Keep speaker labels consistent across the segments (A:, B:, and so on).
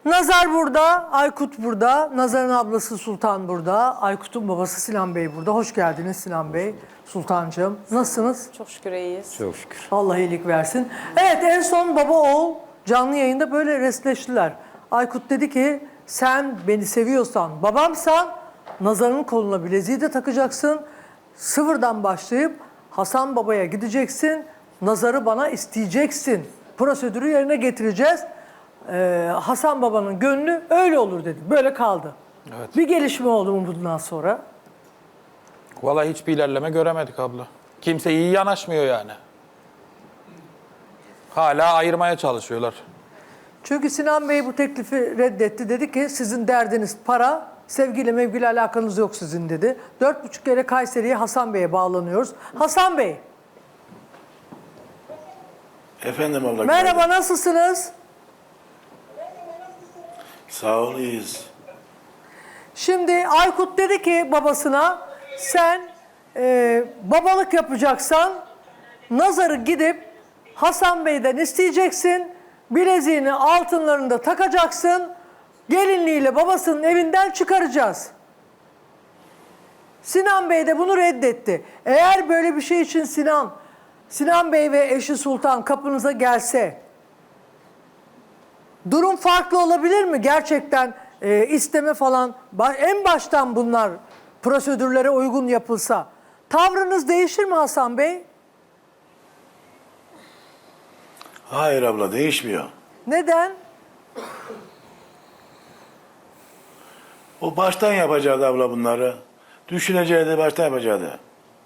A: Nazar burada, Aykut burada, Nazar'ın ablası Sultan burada, Aykut'un babası Sinan Bey burada. Hoş geldiniz Sinan Bey, Sultancığım. Nasılsınız?
B: Çok şükür iyiyiz.
C: Çok şükür.
A: Allah iyilik versin. Evet, en son baba oğul canlı yayında böyle restleştiler. Aykut dedi ki sen beni seviyorsan, babamsan Nazar'ın koluna bileziği de takacaksın. Sıfırdan başlayıp Hasan babaya gideceksin. Nazar'ı bana isteyeceksin. Prosedürü yerine getireceğiz. Hasan babanın gönlü öyle olur dedi. Böyle kaldı.
D: Evet.
A: Bir gelişme oldu mu bundan sonra?
D: Vallahi hiçbir ilerleme göremedik abla. Kimse iyi yanaşmıyor yani. Hala ayırmaya çalışıyorlar.
A: Çünkü Sinan Bey bu teklifi reddetti. Dedi ki sizin derdiniz para, sevgiyle mevgiyle alakanız yok sizin dedi. 4,5 kere Kayseri'ye Hasan Bey'e bağlanıyoruz. Hasan Bey,
E: Efendim abla.
A: merhaba nasılsınız?
E: Sağ ol, iyiyiz.
A: Şimdi Aykut dedi ki babasına sen babalık yapacaksan Nazar'ı gidip Hasan Bey'den isteyeceksin. Bileziğini altınlarını da takacaksın. Gelinliğiyle babasının evinden çıkaracağız. Sinan Bey de bunu reddetti. Eğer böyle bir şey için Sinan Bey ve eşi Sultan kapınıza gelse durum farklı olabilir mi? Gerçekten isteme falan en baştan bunlar prosedürlere uygun yapılsa tavrınız değişir mi Hasan Bey?
E: Hayır abla, değişmiyor.
A: Neden?
E: O baştan yapacaktı abla bunları. Düşüneceğiydi, baştan yapacaktı.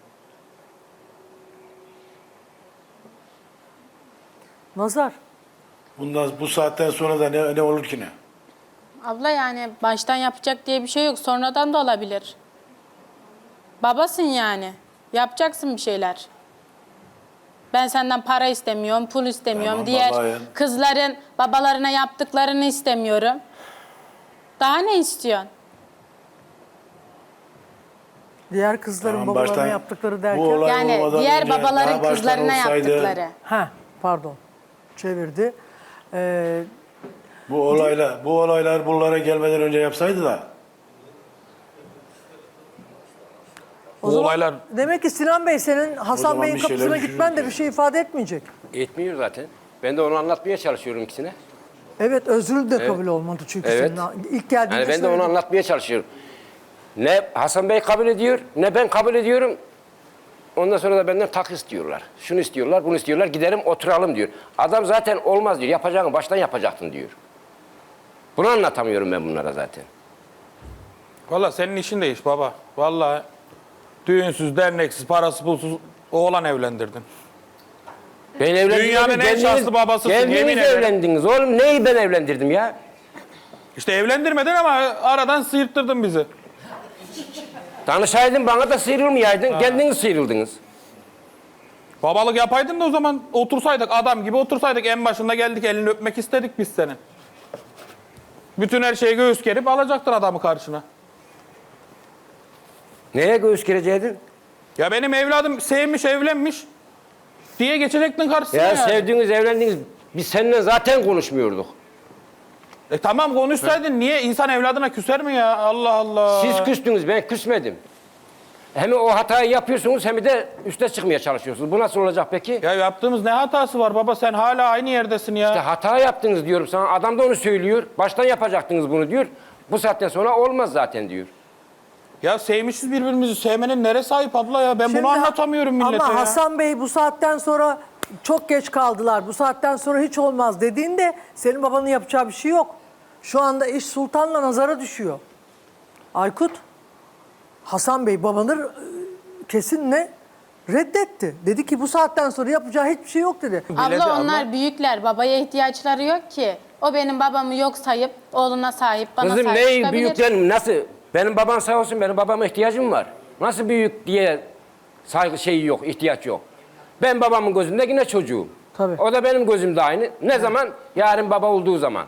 A: Nazar.
E: Bu saatten sonra da ne olur ki ne?
B: Abla yani baştan yapacak diye bir şey yok. Sonradan da olabilir. Babasın yani. Yapacaksın bir şeyler. Ben senden para istemiyorum, pul istemiyorum.
E: Tamam,
B: Diğer
E: babayım.
B: kızların babalarına yaptıklarını istemiyorum. Daha ne istiyorsun?
A: Diğer kızların
E: Tamam,
A: babalarına
E: baştan-
A: yaptıkları
E: bu
A: derken.
E: olay
B: Yani
E: olmadan
B: diğer
E: önce, daha
B: babaların
E: baştan
B: kızlarına
E: olsaydı,
B: yaptıkları.
A: Pardon. Çevirdi.
E: Bu olaylar bunlara gelmeden önce yapsaydı da.
A: O
D: Bu
A: zaman
D: olaylar
A: demek ki Sinan Bey senin Hasan
E: zaman
A: Bey'in
E: bir şeyler
A: kapısına gitmen de
E: düşünürdü.
A: bir şey ifade etmeyecek.
C: Etmiyor zaten. Ben de onu anlatmaya çalışıyorum ikisine.
A: Evet, özrü de kabul olmadı çünkü
C: Evet.
A: senin ilk geldiğinde
C: Yani ben de onu
A: söyledin.
C: anlatmaya çalışıyorum. Ne Hasan Bey kabul ediyor, ne ben kabul ediyorum. Ondan sonra da benden tak istiyorlar. Şunu istiyorlar, bunu istiyorlar. Gidelim oturalım diyor. Adam zaten olmaz diyor. Yapacağını baştan yapacaktın diyor. Bunu anlatamıyorum ben bunlara zaten.
D: vallahi senin işin de iş baba. Vallahi düğünsüz, derneksiz, parası pulsuz oğlan evlendirdin.
C: Ben evlendim.
D: Dünyanın en şanslı babasısın,
C: Kendiniz
D: yemin ederim.
C: evlendiniz oğlum. Neyi ben evlendirdim ya?
D: İşte evlendirmedin ama aradan sıyırttırdın bizi.
C: Danışaydın bana da sıyrılmayaydın. Kendiniz sıyrıldınız.
D: Babalık yapaydın da o zaman otursaydık, adam gibi otursaydık, en başında geldik elini öpmek istedik biz senin. Bütün her şeyi göğüs gerip alacaktın adamı karşına.
C: Neye göğüs gereceydin?
D: Ya benim evladım sevmiş, evlenmiş diye geçecektin karşısına
C: Ya
D: yani.
C: sevdiğiniz, evlendiğiniz, biz seninle zaten konuşmuyorduk.
D: Tamam konuşsaydın, niye insan evladına küser mi ya? Allah Allah.
C: Siz küstünüz, ben küsmedim. Hem o hatayı yapıyorsunuz hem de üste çıkmaya çalışıyorsunuz. Bu nasıl olacak peki?
D: Ya yaptığımız ne hatası var baba, sen hala aynı yerdesin ya.
C: İşte hata yaptınız diyorum sana. Adam da onu söylüyor. Baştan yapacaktınız bunu diyor. Bu saatten sonra olmaz zaten diyor.
D: Ya sevmişiz birbirimizi, sevmenin neresi ayıp abla ya? Ben
A: Şimdi-
D: bunu anlatamıyorum millete
A: Ama
D: ya.
A: Hasan Bey bu saatten sonra çok geç kaldılar. Bu saatten sonra hiç olmaz dediğinde senin babanın yapacağı bir şey yok. Şu anda iş Sultan'la Nazar'a düşüyor. Aykut, Hasan Bey babanı kesinle reddetti. Dedi ki bu saatten sonra yapacağı hiçbir şey yok dedi.
B: Abla onlar büyükler. Babaya ihtiyaçları yok ki. O benim babamı yok sayıp oğluna sahip, bana
C: Kızım
B: sahip
C: ne
B: çıkabilir.
C: büyüklerim nasıl? Benim babam sağ olsun, benim babama ihtiyacım var. Nasıl büyük diye saygı şeyi yok, ihtiyaç yok. Ben babamın gözünde yine çocuğum.
A: Tabii.
C: O da benim gözümde aynı. Ne zaman? Yarın baba olduğu zaman.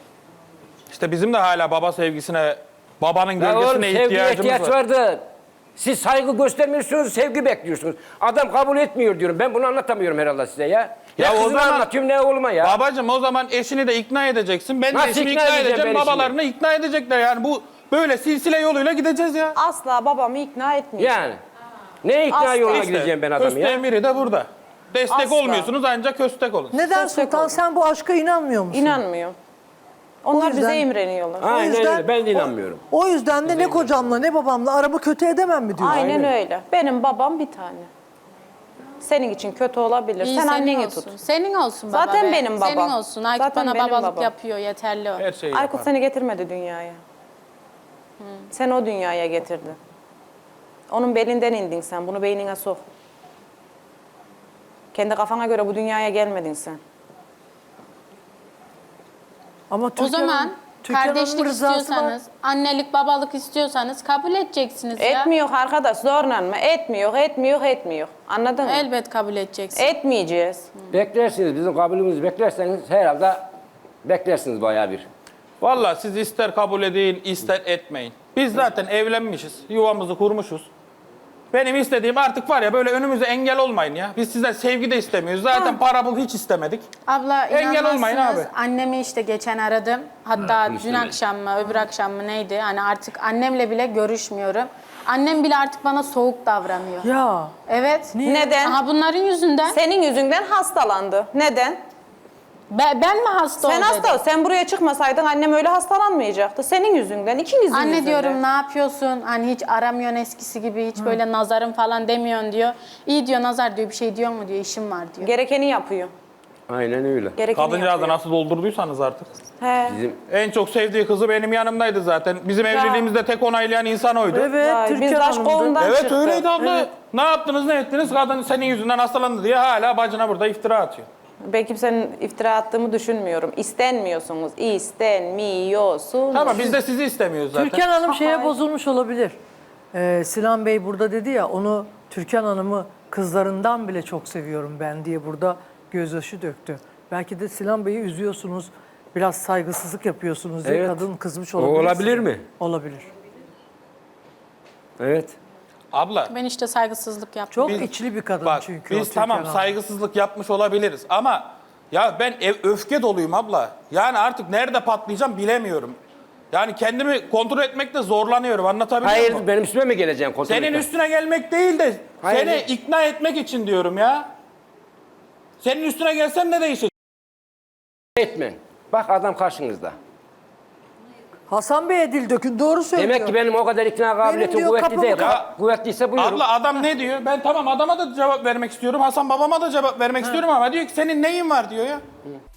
D: İşte bizim de hala baba sevgisine, babanın
C: Ya oğlum
D: gölgesine
C: sevgiye
D: ihtiyacımız
C: ihtiyaç
D: var.
C: var da Siz saygı göstermiyorsunuz, sevgi bekliyorsunuz. Adam kabul etmiyor diyorum. Ben bunu anlatamıyorum herhalde size ya. Ya
D: Ya o
C: kızına
D: zaman-
C: anlatıyorum ne oğluma ya.
D: Babacığım o zaman eşini de ikna edeceksin. Ben de
C: Nasıl
D: eşimi
C: ikna
D: ikna
C: edeceğim
D: edeceğim.
C: ben eşimi?
D: Babalarını ikna edecekler. Yani bu böyle silsile yoluyla gideceğiz ya.
F: Asla babamı ikna etmeyeceğim.
C: Yani. Ne ikna
F: Asla.
C: yoluna
F: İşte,
C: gideceğim ben adamı
D: Köste
C: ya?
D: emiri de burada. Destek
F: Asla.
D: olmuyorsunuz ancak köstek olun.
A: Neden
F: Destek
A: Sultan?
F: olun.
A: Sen bu aşka inanmıyor musun?
F: İnanmıyor. Onlar
A: yüzden-
F: bize imreniyorlar.
C: Aynen öyle. Ben de inanmıyorum.
A: O yüzden de ne kocamla ne babamla aramı kötü edemem mi diyorsun?
F: Aynen öyle. Benim babam bir tane. Senin için kötü olabilir.
B: İyi,
F: Sen
B: senin
F: anneni
B: olsun.
F: tut.
B: Senin olsun baba
F: Zaten
B: be.
F: benim babam.
B: Senin olsun. Aykut
F: Zaten
B: bana
F: benim
B: babalık
F: babam.
B: yapıyor. Yeterli o.
D: Her şeyi
F: Aykut
D: yapar.
F: seni getirmedi dünyaya. Sen o dünyaya getirdin. Onun belinden indin sen. Bunu beynine sok. Kendi kafana göre bu dünyaya gelmedin sen.
A: Ama
B: O
A: Türkan
B: zaman
A: Hanım- Türkan Hanım'ın
B: kardeşlik
A: rızası var.
B: istiyorsanız, annelik, babalık istiyorsanız kabul edeceksiniz ya.
F: Etmiyor arkadaş zorla mı? Etmiyor. Anladın mı?
B: Elbet kabul edeceksin.
F: Etmeyeceğiz.
C: Beklersiniz. Bizim kabulümüzü beklerseniz herhalde beklersiniz bayağı bir.
D: Vallahi siz ister kabul edin, ister etmeyin. Biz zaten evlenmişiz, yuvamızı kurmuşuz. Benim istediğim artık var ya böyle önümüze engel olmayın ya. Biz sizden sevgi de istemiyoruz. Zaten para pul hiç istemedik.
B: Abla
D: Engel olmayın
B: inanmazsınız.
D: abi.
B: Annemi işte geçen aradım. Hatta dün
C: istemeyin.
B: akşam mı öbür akşam mı neydi? Hani artık annemle bile görüşmüyorum. Annem bile artık bana soğuk davranıyor.
A: Ya
B: Evet.
F: Neden?
B: Aha bunların yüzünden.
F: Senin yüzünden hastalandı. Neden?
B: Ben mi hasta
F: Sen
B: oldum?
F: hasta ol. Sen buraya çıkmasaydın annem öyle hastalanmayacaktı. Senin yüzünden, ikinizin
B: Anne
F: yüzünden.
B: diyorum ne yapıyorsun? Hani hiç aramıyorsun eskisi gibi, hiç böyle nazarım falan demiyorsun diyor. İyi diyor nazar diyor, bir şey diyor mu diyor, işim var diyor.
F: Gerekeni yapıyor.
C: Aynen öyle.
F: Gerekeni
D: Kadıncağızı
F: yapıyor.
D: nasıl doldurduysanız artık.
F: He.
C: Bizim
D: En çok sevdiği kızı benim yanımdaydı zaten. Bizim evliliğimizde tek onaylayan insan oydu.
A: evet
F: Vay, biz
A: Türkan
F: aşk
A: Hanım'dı.
F: kolundan
D: Evet
F: çıktık.
D: öyleydi abla. Ne yaptınız ne ettiniz? Kadın senin yüzünden hastalandı diye hala bacına burada iftira atıyor.
F: Ben kimsenin iftira attığımı düşünmüyorum. İstenmiyorsunuz. İstenmiyorsunuz.
D: Tamam biz de sizi istemiyoruz zaten.
A: Türkan Hanım şeye bozulmuş olabilir. Sinan Bey burada dedi ya onu Türkan Hanım'ı kızlarından bile çok seviyorum ben diye burada gözyaşı döktü. Belki de Sinan Bey'i üzüyorsunuz, biraz saygısızlık yapıyorsunuz diye
C: Evet.
A: kadın kızmış
C: O
A: olabilir.
C: olabilir
A: size.
C: mi?
A: Olabilir.
C: Evet.
D: Abla
B: Ben işte saygısızlık yaptım.
A: Çok
D: Biz-
A: içli bir kadın
D: bak
A: çünkü. o
D: biz
A: Türkan
D: tamam
A: Hanım.
D: saygısızlık yapmış olabiliriz ama ya ben öfke doluyum abla. Yani artık nerede patlayacağım bilemiyorum. Yani kendimi kontrol etmekte zorlanıyorum anlatabiliyor
C: Hayır
D: muyum?
C: benim üstüme mi geleceksin kontrol
D: Senin
C: etmeye?
D: üstüne gelmek değil de
C: Hayır.
D: seni ikna etmek için diyorum ya. Senin üstüne gelsem ne değişir?
C: Etmen. Bak adam karşınızda.
A: Hasan Bey'e dil dökün, doğru söylüyor.
C: Demek ki benim o kadar ikna kabiliyetim
A: diyor,
C: kuvvetli
A: kapımı
C: değil.
A: kap-
C: Kuvvetliyse buyurun.
D: Abla adam ne diyor? Ben tamam adama da cevap vermek istiyorum. Hasan babama da cevap vermek istiyorum ama diyor ki senin neyin var diyor ya.